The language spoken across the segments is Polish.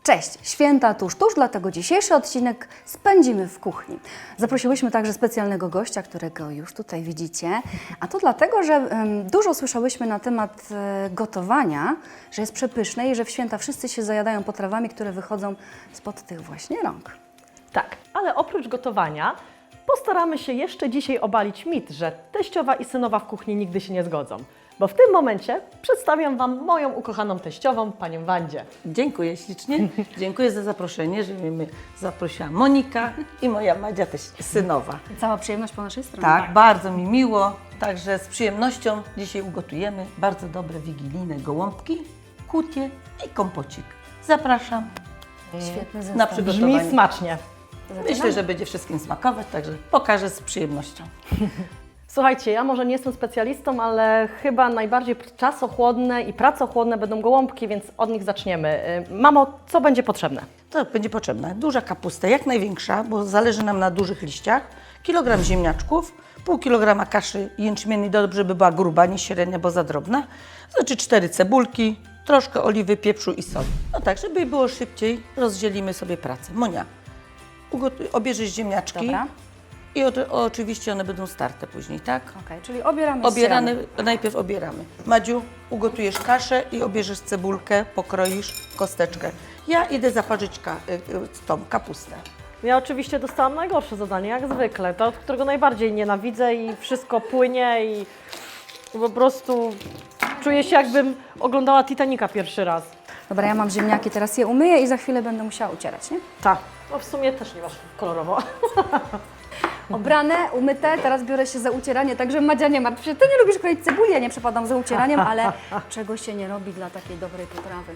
Cześć! Święta tuż, dlatego dzisiejszy odcinek spędzimy w kuchni. Zaprosiłyśmy także specjalnego gościa, którego już tutaj widzicie, a to dlatego, że dużo słyszałyśmy na temat gotowania, że jest przepyszne i że w święta wszyscy się zajadają potrawami, które wychodzą spod tych właśnie rąk. Tak, ale oprócz gotowania postaramy się jeszcze dzisiaj obalić mit, że teściowa i synowa w kuchni nigdy się nie zgodzą. Bo w tym momencie przedstawiam Wam moją ukochaną teściową, panią Wandzie. Dziękuję ślicznie. Dziękuję za zaproszenie, że mnie zaprosiła Monika i moja Madzia też synowa. Cała przyjemność po naszej stronie. Tak, bardzo mi miło. Także z przyjemnością dzisiaj ugotujemy bardzo dobre wigilijne gołąbki, kutie i kompocik. Zapraszam Świetny na zestaw. przygotowanie. Brzmi smacznie. Myślę, że będzie wszystkim smakować, także pokażę z przyjemnością. Słuchajcie, ja może nie jestem specjalistą, ale chyba najbardziej czasochłodne i pracochłodne będą gołąbki, więc od nich zaczniemy. Mamo, co będzie potrzebne? To będzie potrzebna duża kapusta, jak największa, bo zależy nam na dużych liściach, kilogram ziemniaczków, pół kilograma kaszy jęczmiennej, dobrze by była gruba, nie średnia, bo za drobna, znaczy 4 cebulki, troszkę oliwy, pieprzu i soli. No tak, żeby było szybciej, rozdzielimy sobie pracę. Monia, obierzesz ziemniaczki. Dobra. I oczywiście one będą starte później, tak? Okej, czyli obieramy Najpierw obieramy. Madziu, ugotujesz kaszę i obierzesz cebulkę, pokroisz kosteczkę. Ja idę zaparzyć tą kapustę. Ja oczywiście dostałam najgorsze zadanie, jak zwykle, to od którego najbardziej nienawidzę i wszystko płynie i po prostu czuję się, jakbym oglądała Titanica pierwszy raz. Dobra, ja mam ziemniaki, teraz je umyję i za chwilę będę musiała ucierać, nie? Tak, no w sumie też nie masz kolorowo. Obrane, umyte, teraz biorę się za ucieranie, także Madzia, nie martw się. Ty nie lubisz kroić cebuli, ja nie przepadam za ucieraniem, ale czego się nie robi dla takiej dobrej potrawy.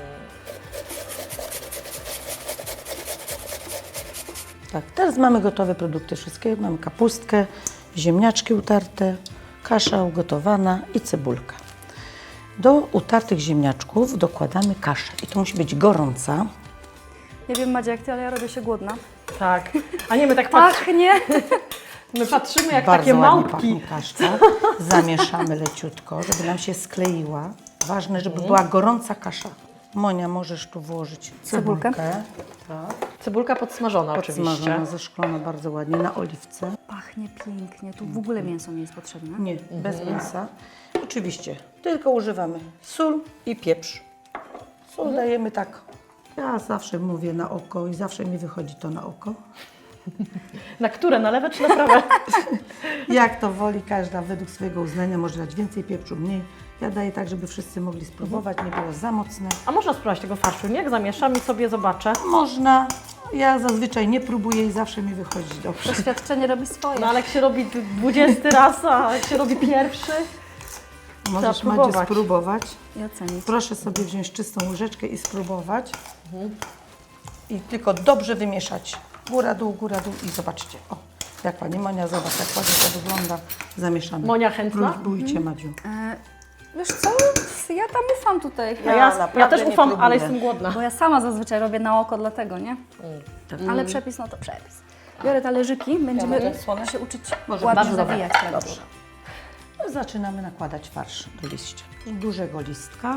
Tak, teraz mamy gotowe produkty wszystkie. Mamy kapustkę, ziemniaczki utarte, kasza ugotowana i cebulka. Do utartych ziemniaczków dokładamy kaszę i to musi być gorąca. Nie wiem, Madzia, jak ty, ale ja robię się głodna. Tak, a nie, my tak Pachnie! my patrzymy jak Bardzo takie ładnie małpki. pachnie kaszka. Zamieszamy leciutko, żeby nam się skleiła. Ważne, żeby była gorąca kasza. Monia, możesz tu włożyć Cebulkę. cebulkę. Tak. Cebulka podsmażona oczywiście. Podsmażona, zeszklona bardzo ładnie na oliwce. Pachnie pięknie, tu w ogóle mięso nie jest potrzebne. Nie, bez mięsa. Oczywiście, tylko używamy sól i pieprz. Sól dajemy tak. Ja zawsze mówię na oko i zawsze mi wychodzi to na oko. Na które? Na lewe czy na prawe? Jak to woli każda według swojego uznania, może dać więcej pieprzu, mniej. Ja daję tak, żeby wszyscy mogli spróbować, nie było za mocne. A można spróbować tego farszu, nie? Jak zamieszam i sobie zobaczę. Można. Ja zazwyczaj nie próbuję i zawsze mi wychodzi dobrze. Doświadczenie robi swoje. No ale jak się robi 20 raz, a jak się robi pierwszy? Możesz, Trzeba Madziu, próbować. spróbować. I ocenić. Proszę sobie wziąć czystą łyżeczkę i spróbować. I tylko dobrze wymieszać. Góra, dół i zobaczcie. O, jak Pani Monia, zobacz, jak ładnie to wygląda. Zamieszane. Monia chętna? Próbujcie, Madziu. Wiesz co, ja tam ufam tutaj, Ja naprawdę też nie ufam, próbuję. ale jestem głodna. bo ja sama zazwyczaj robię na oko dlatego, nie? Ale przepis, no to przepis. Biorę talerzyki, będziemy mogę słone? się uczyć Może ładnie bardzo dobre. zawijać chleb. Dobrze. No, zaczynamy nakładać farsz do liścia. Dużego listka.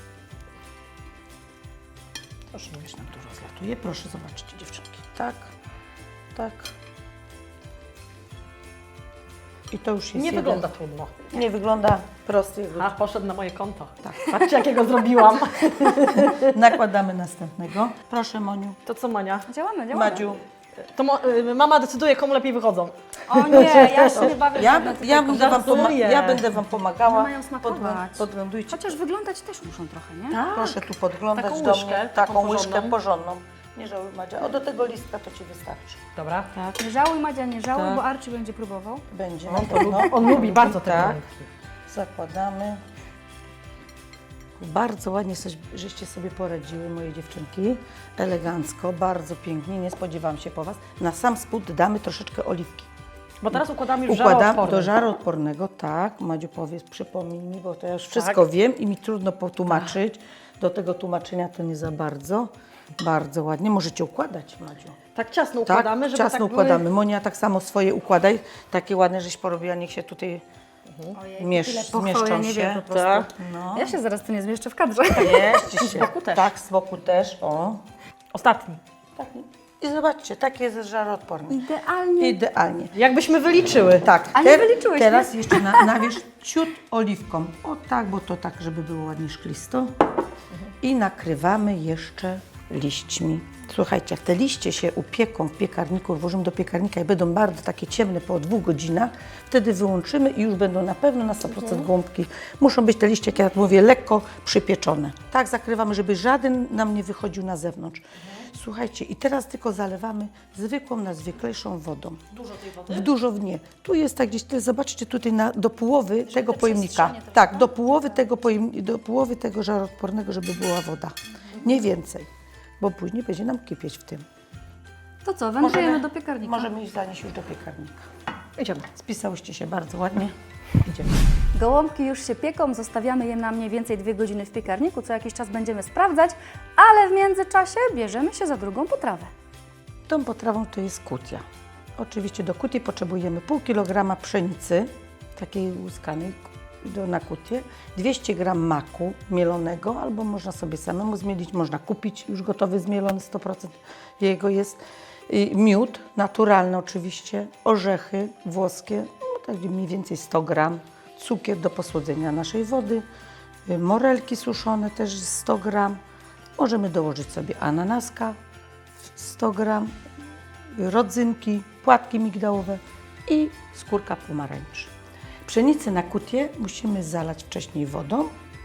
Proszę, już nam tu rozlatuje. Proszę, zobaczcie, dziewczynki. Tak, tak. I to już jest Nie jeden. wygląda trudno. Nie wygląda prosty. A, poszedł na moje konto. Tak. Patrzcie, jakiego zrobiłam. Nakładamy następnego. Proszę, Moniu. To co, Mania? Działamy. Madziu. To mama decyduje, komu lepiej wychodzą. O nie, ja się nie bawię. Ja będę Wam pomagała. One mają smakować. Podglądujcie. Chociaż wyglądać też muszą trochę, nie? Tak. Proszę tu podglądać Taką do łyżkę, mnie. taką Taką łyżkę porządną. porządną. Nie żałuj, Madzia. O, do tego listka to Ci wystarczy. Dobra. Tak. Nie żałuj, Madzia, nie żałuj, Tak. bo Archie będzie próbował. Będzie. On lubi bardzo te Tak. gołąbki. Zakładamy. Bardzo ładnie żeście sobie poradziły, moje dziewczynki. Elegancko, bardzo pięknie. Nie spodziewałam się po Was. Na sam spód damy troszeczkę oliwki. Bo teraz układamy już Układam żaroodporny. do żaroodpornego, tak. Madziu, powiedz, przypomnij mi, bo to ja już wszystko wiem i mi trudno potłumaczyć. Do tego tłumaczenia to nie za bardzo. Bardzo ładnie. Możecie układać, Madziu. Tak ciasno Tak, układamy, żeby ciasno tak układamy. Monia, tak samo swoje układaj. Takie ładne, żeś porobiła, niech się tutaj Pochwały, nie wiem po prostu. Tak, no. Ja się zaraz tu nie zmieszczę w kadrze. Mieści się. boku też. Tak, z boku też, o. Ostatni. Tak. I zobaczcie, taki jest żaroodporny. Idealnie. Idealnie. Jakbyśmy wyliczyły. Tak, A nie wyliczyłeś, teraz jeszcze nawierz ciut oliwką. O tak, bo to tak, żeby było ładnie szklisto. I nakrywamy jeszcze liśćmi. Słuchajcie, jak te liście się upieką w piekarniku, włożymy do piekarnika i będą bardzo takie ciemne po 2 godzinach, wtedy wyłączymy i już będą na pewno na 100% gołąbki. Muszą być te liście, jak ja mówię, lekko przypieczone. Tak zakrywamy, żeby żaden nam nie wychodził na zewnątrz. Słuchajcie, i teraz tylko zalewamy zwykłą, najzwyklejszą wodą. Dużo tej wody? W dużo w nie. Tu jest tak gdzieś, zobaczcie tutaj do połowy tego pojemnika. Tak, do połowy tego żaroodpornego, żeby była woda. Nie więcej, bo później będzie nam kipieć w tym. To co, wędrujemy do piekarnika. Możemy iść zanieść już do piekarnika. Idziemy. Spisałyście się bardzo ładnie. Idziemy. Gołąbki już się pieką, zostawiamy je na mniej więcej 2 godziny w piekarniku, co jakiś czas będziemy sprawdzać, ale w międzyczasie bierzemy się za drugą potrawę. Tą potrawą to jest kutia. Oczywiście do kutii potrzebujemy pół kilograma pszenicy, takiej łuskanej na kutię, 200 g maku mielonego, albo można sobie samemu zmielić, można kupić już gotowy zmielony, 100% jego jest. Miód, naturalny oczywiście, orzechy włoskie, no tak mniej więcej 100 g, cukier do posłodzenia naszej wody, morelki suszone też 100 g, możemy dołożyć sobie ananaska 100 g, rodzynki, płatki migdałowe i skórka pomarańczy. Pszenicę na kutię musimy zalać wcześniej wodą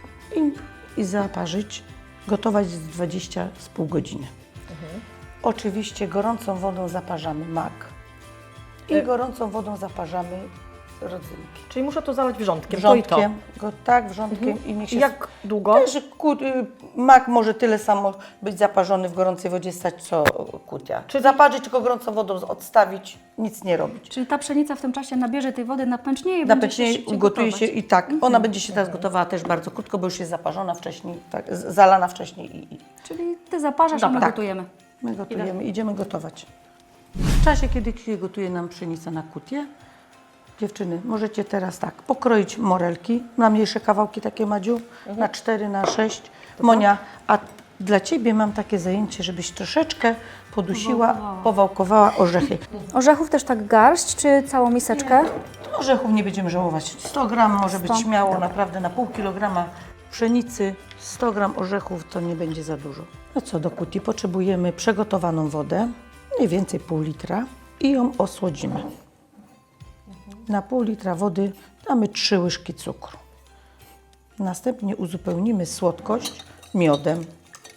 i zaparzyć, gotować z 20 z pół godziny. Oczywiście gorącą wodą zaparzamy mak i gorącą wodą zaparzamy rodzynki. Czyli muszę to zalać wrzątkiem. Wrzątkiem, wrzątkiem i niech się... Jak długo? Też mak może tyle samo być zaparzony w gorącej wodzie stać, co kutia. Czy zaparzyć, tylko gorącą wodą odstawić, nic nie robić. Czyli ta pszenica w tym czasie nabierze tej wody, napęcznieje i będzie się Napęcznie szybciej ugotuje gotować. się i tak. Ona będzie się teraz gotowała też bardzo krótko, bo już jest zaparzona wcześniej, tak, zalana wcześniej. Czyli Ty zaparzasz, a my Tak. gotujemy. My gotujemy, idziemy gotować. W czasie, kiedy się gotuje nam pszenica na kutię, dziewczyny, możecie teraz tak pokroić morelki na mniejsze kawałki, takie Madziu, na 4, na 6. Monia, a dla Ciebie mam takie zajęcie, żebyś troszeczkę podusiła, powałkowała orzechy. Orzechów też tak garść, czy całą miseczkę? Orzechów nie będziemy żałować. 100 gram może być 100. śmiało, naprawdę na pół kilograma pszenicy, 100 gram orzechów to nie będzie za dużo. No co, do kutii potrzebujemy przegotowaną wodę, mniej więcej pół litra i ją osłodzimy. Na pół litra wody damy 3 łyżki cukru. Następnie uzupełnimy słodkość miodem.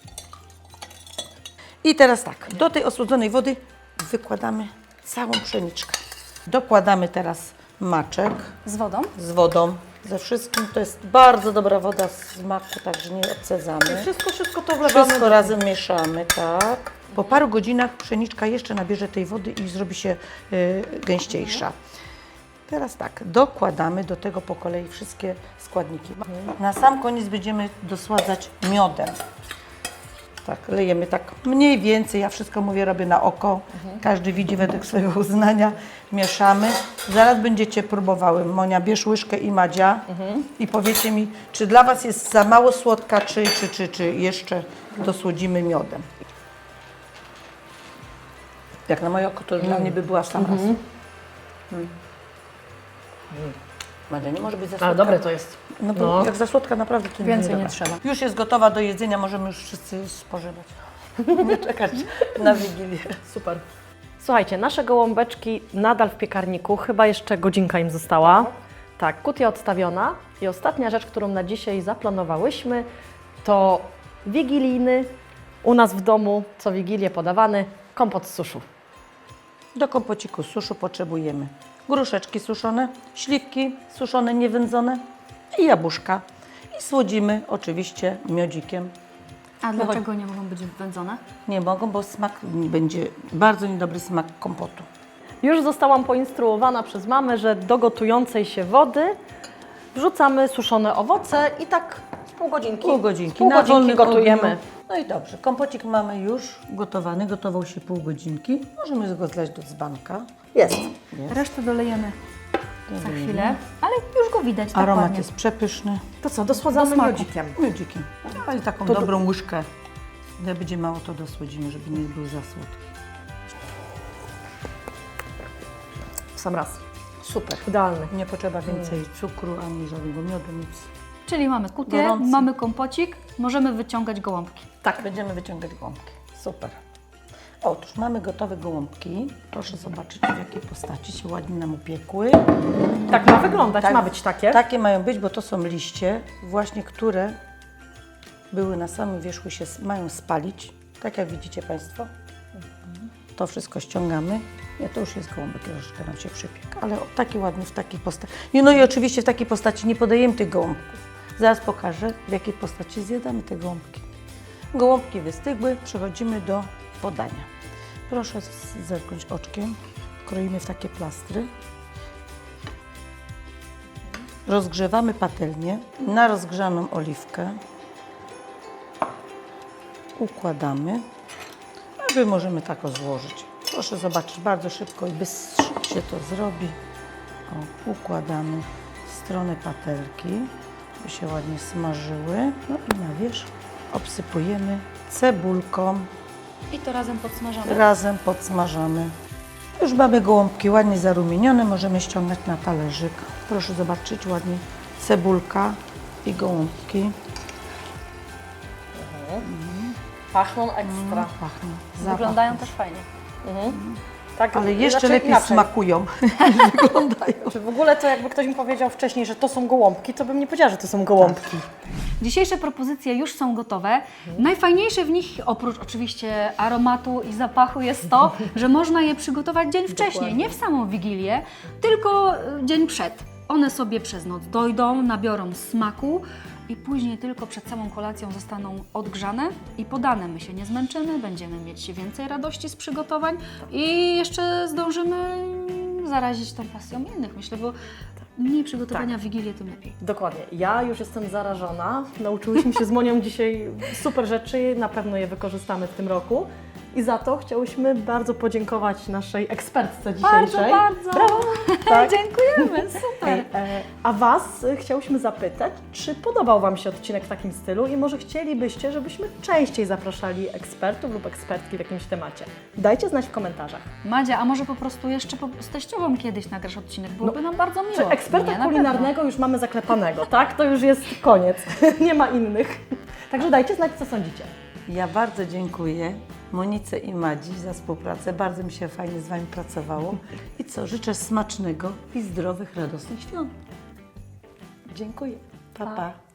I teraz tak, do tej osłodzonej wody wykładamy całą pszeniczkę. Dokładamy teraz maczek Z wodą? z wodą, ze wszystkim. To jest bardzo dobra woda z maku, także nie odcedzamy. Wszystko to wlewamy. Wszystko razem mieszamy, tak. Po paru godzinach pszeniczka jeszcze nabierze tej wody i zrobi się gęściejsza. Teraz tak, dokładamy do tego po kolei wszystkie składniki. Na sam koniec będziemy dosładzać miodem. Tak, lejemy tak mniej więcej, ja wszystko mówię, robię na oko. Każdy widzi według swojego uznania. Mieszamy. Zaraz będziecie próbowały. Monia, bierz łyżkę i Madzia i powiecie mi, czy dla Was jest za mało słodka, czy jeszcze dosłodzimy miodem. Jak na moje oko, to już dla mnie by była w sam raz. Madzia, nie może być za słodka. Ale dobre to jest. No bo jak za słodka naprawdę to Więcej nie dobra. trzeba. Już jest gotowa do jedzenia, możemy już wszyscy spożywać. Nie czekać na Wigilię. Super. Słuchajcie, nasze gołąbeczki nadal w piekarniku, chyba jeszcze godzinka im została. Tak, kutia odstawiona i ostatnia rzecz, którą na dzisiaj zaplanowałyśmy, to wigilijny, u nas w domu co Wigilię podawany, kompot z suszu. Do kompociku z suszu potrzebujemy gruszeczki suszone, śliwki suszone, niewędzone i jabłuszka. I słodzimy oczywiście miodzikiem. A dlaczego nie mogą być wędzone? Nie mogą, bo smak będzie bardzo niedobry smak kompotu. Już zostałam poinstruowana przez mamę, że do gotującej się wody wrzucamy suszone owoce i tak pół godzinki. Pół godzinki. Pół Na godzinki wolnym gotujemy. ogniu. No i dobrze, kompocik mamy już gotowany, gotował się pół godzinki. Możemy go zlać do dzbanka. Jest. Resztę dolejemy za chwilę, ale już go widać tak Aromat ładnie. jest przepyszny. To co, dosładzamy Do smaku. miodzikiem. Miodzikiem. Ale taką dobrą łyżkę. Jak będzie mało, to dosłodzimy, żeby nie był za słodki. W sam raz. Super. Idealny. Nie potrzeba więcej cukru ani żadnego miodu, nic. Czyli mamy kutię, Gorący. mamy kompocik, możemy wyciągać gołąbki. Tak, będziemy wyciągać gołąbki. Super. Otóż mamy gotowe gołąbki. Proszę zobaczyć, w jakiej postaci się ładnie nam upiekły. Tak ma wyglądać, ma być takie. Takie mają być, bo to są liście, właśnie które były na samym wierzchu, się mają spalić. Tak jak widzicie Państwo. To wszystko ściągamy. Nie, to już jest gołąbek, troszeczkę nam się przypiekł. Ale taki ładny w takiej postaci. No i oczywiście w takiej postaci nie podajemy tych gołąbków. Zaraz pokażę, w jakiej postaci zjadamy te gołąbki. Gołąbki wystygły, przechodzimy do podania. Proszę zerknąć oczkiem. Kroimy w takie plastry. Rozgrzewamy patelnię na rozgrzaną oliwkę. Układamy. A Wy możemy tak złożyć. Proszę zobaczyć, bardzo szybko i bystro się to zrobi. O, układamy w stronę patelki, by się ładnie smażyły. No i na wierzch obsypujemy cebulką. I to razem podsmażamy. Razem podsmażamy. Już mamy gołąbki ładnie zarumienione, możemy ściągać na talerzyk. Proszę zobaczyć, ładnie cebulka i gołąbki. Pachną ekstra. Pachną. Zapach. Wyglądają też fajnie. Tak, Ale jeszcze znaczy lepiej inaczej. smakują niż wyglądają. Czy w ogóle to jakby ktoś mi powiedział wcześniej, że to są gołąbki, to bym nie powiedziała, że to są gołąbki. Dzisiejsze propozycje już są gotowe. Najfajniejsze w nich, oprócz oczywiście aromatu i zapachu, jest to, że można je przygotować dzień wcześniej, nie w samą Wigilię, tylko dzień przed. One sobie przez noc dojdą, nabiorą smaku i później tylko przed samą kolacją zostaną odgrzane i podane. My się nie zmęczymy, będziemy mieć więcej radości z przygotowań i jeszcze zdążymy zarazić tą pasją innych. Myślę, bo mniej przygotowania w Wigilię, tym lepiej. Dokładnie. Ja już jestem zarażona. Nauczyłyśmy się z Monią dzisiaj super rzeczy, na pewno je wykorzystamy w tym roku. I za to chciałyśmy bardzo podziękować naszej ekspertce dzisiejszej. Bardzo. Brawo! Tak. Dziękujemy, super. A Was chciałyśmy zapytać, czy podobał Wam się odcinek w takim stylu i może chcielibyście, żebyśmy częściej zapraszali ekspertów lub ekspertki w jakimś temacie. Dajcie znać w komentarzach. Madzia, a może po prostu jeszcze z teściową kiedyś nagrasz odcinek? Byłoby nam bardzo miło. Czy eksperta Nie, na kulinarnego już mamy zaklepanego, tak? To już jest koniec. Nie ma innych. Także dajcie znać, co sądzicie. Ja bardzo dziękuję Monice i Madzi za współpracę. Bardzo mi się fajnie z Wami pracowało. I co, życzę smacznego i zdrowych, radosnych świąt. Dziękuję. Pa, pa.